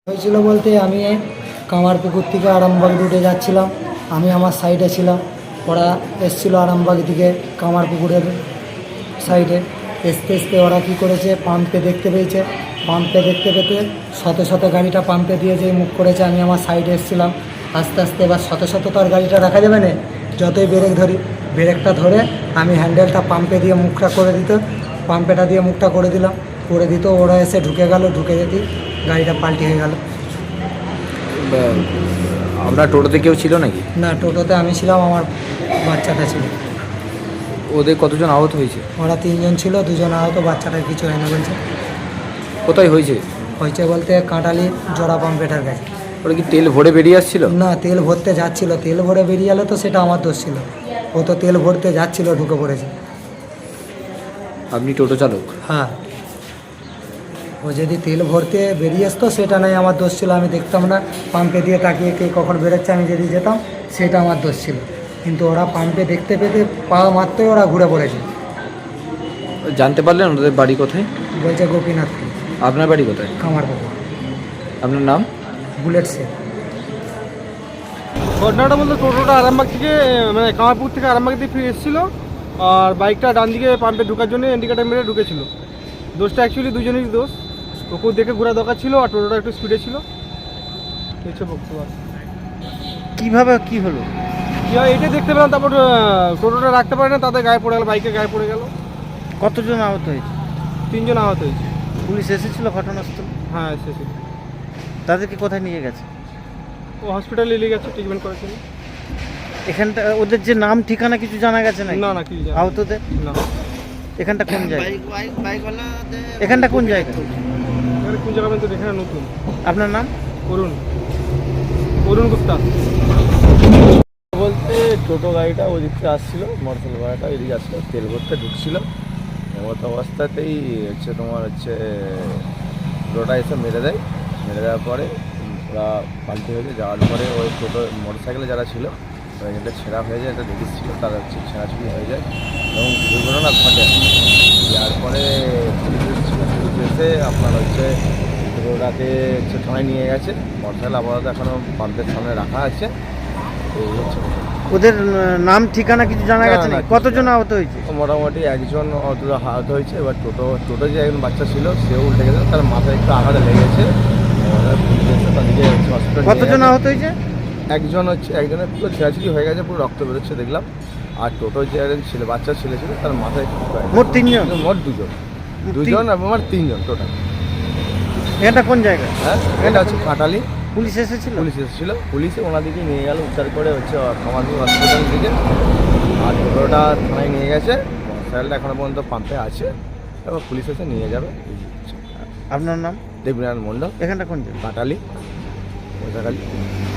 হয়েছিল বলতে আমি কামারপুকুর থেকে আরামবাগ রুটে যাচ্ছিলাম। আমি আমার সাইডে ছিলাম, ওরা এসেছিলো আরামবাগ থেকে কামারপুকুরের সাইডে। আসতে ওরা কী করেছে, পাম্পে দেখতে পেয়েছে। পাম্পে দেখতে পেতে শত শত গাড়িটা পাম্পে দিয়ে যে মুখ করেছে। আমি আমার সাইডে এসেছিলাম, আস্তে আস্তে এবার শত শত তো আর গাড়িটা রাখা যাবে না। যতই ব্রেক ধরি, ব্রেকটা ধরে আমি হ্যান্ডেলটা পাম্পে দিয়ে মুখটা করে দিত, পাম্পেটা দিয়ে মুখটা করে দিলাম, করে দিত। ওরা এসে ঢুকে গেল, ঢুকে যেতেই গাড়িটা পাল্টি হয়ে গেল। আপনার টোটোতে কেউ ছিল নাকি? না, টোটোতে আমি ছিলাম, আমার বাচ্চাটা ছিল। ওদের কতজন আহত হয়েছে? ওরা 3 জন ছিল, 2 জন আহত, বাচ্চাটার কিছু হয় না বলছে। কোথায় হয়েছে? হয়েছে বলতে কাঁটালি জোড়া পাম্পেটার কাছে। ওরা কি তেল ভরে বেরিয়ে আসছিল? না, তেল ভরতে যাচ্ছিল, তেল ভরে বেরিয়ে এলো তো সেটা আমার দোষ ছিল। ও তো তেল ভরতে যাচ্ছিল, ঢুকে পড়েছে। আপনি টোটো চালক? হ্যাঁ, ও যদি তেল ভরতে বেরিয়ে আসতো সেটা নয় আমার দোষ ছিল, আমি দেখতাম না। পাম্পে দিয়ে তাকিয়ে কে কখন বেরোচ্ছে আমি যদি যেতাম, সেটা আমার দোষ ছিল। কিন্তু ওরা পাম্পে দেখতে পেতে পা মারতেই ওরা ঘুরে পড়েছে। জানতে পারলেন ওদের বাড়ি কোথায়? বলছে গোপীনাথপুর। আপনার বাড়ি কোথায়? কামারপুকুর। আপনার নাম? বুলেট সে। ঘটনাটা বলতে টোটোটা আরামবাগ থেকে মানে কামারপুর থেকে আরামবাগ দিয়ে ফিরে এসেছিলো, আর বাইকটা ডান দিকে পাম্পে ঢোকার জন্য ইন্ডিকেটার মেরে ঢুকেছিল। দোষটা অ্যাকচুয়ালি দুজনেরই দোষ। ওকেও দেখে ঘোরা দরকার ছিল, আর টোটোটা একটু স্পিডে ছিল। হচ্ছে বক্তব্য। কিভাবে কি হলো? কী হয় এটাই দেখতে পেলাম, তারপর টোটোটা রাখতে পারে না, তাদের গায়ে পড়ে গেল, বাইকে গায়ে পড়ে গেল। কতজন আহত হয়েছে? 3 জন আহত হয়েছে। পুলিশ এসেছিল ঘটনাস্থলে? হ্যাঁ, এসেছে। তাদেরকে কোথায় নিয়ে গেছে? ও হসপিটালে নিয়ে গেছে, ট্রিটমেন্ট করেছে। এখানটা ওদের যে নাম ঠিকানা কিছু জানা গেছে নাকি? না কি আহতদের? না। এখানটা কোন জায়গা? এখানটা কোন জায়গা? এবারে কোন জায়গা তো দেখে না, নতুন। আপনার নাম? অরুণ গুপ্তা। বলতে টোটো গাড়িটা ওই দিকতে আসছিল, মোটরসাইকেল গাড়িটা এদিকে আসছিল, তেল ভরতে ঢুকছিল। এমত অবস্থাতেই তোমার টোটোটা এসে মেরে দেওয়ার পরে ওরা পাল্টি হয়েছে। যাওয়ার পরে ওই টোটো মোটরসাইকেলে যারা ছিল এটা ছেঁড়া হয়ে যায়, এটা লেডিস ছিল, তারা ছেঁড়াছুড়ি হয়ে যায় এবং দুর্ঘটনা ঘটে। তারপরে পুলিশ এসে আপনার ওটাকে থানায় নিয়ে গেছে। মোটরসাইকেল আপাতত এখনও পাম্পের সামনে রাখা আছে। ওদের নাম ঠিকানা কিছু জানা গেছে না, নাকি? কতজন আহত হয়েছে? মোটামুটি একজন আহত হয়েছে। এবার টোটো যে একজন বাচ্চা ছিল সেও উল্টে গেছে, তার মাথায় একটু আঘাত লেগেছে। কতজন আহত হয়েছে? একজনের পুরো ছেঁড়াছিড়ি হয়ে গেছে, পুরো রক্ত বেরোচ্ছে দেখলাম। আর টোটো যে একজন ছিল, বাচ্চা ছিল তার মাথায় একটু মোট 3 জন? মোট দুজন এবং আমার 3 জন টোটাল। এখানটা কোন জায়গা? হ্যাঁ, এটা হচ্ছে কাঁটালি। পুলিশ এসেছিল? পুলিশে ওনাদিকে নিয়ে গেল, উদ্ধার করে কামারপুর হসপিটাল থেকে। আর টোটোটা থানায় নিয়ে গেছে, মোটরসাইকেলটা এখনো পর্যন্ত পাম্পে আছে, এবার পুলিশ এসে নিয়ে যাবে। আপনার নাম? দেবনারায়ণ মণ্ডল। এখানটা কোন জায়গা? কাঁটালি, ওঝাখালি।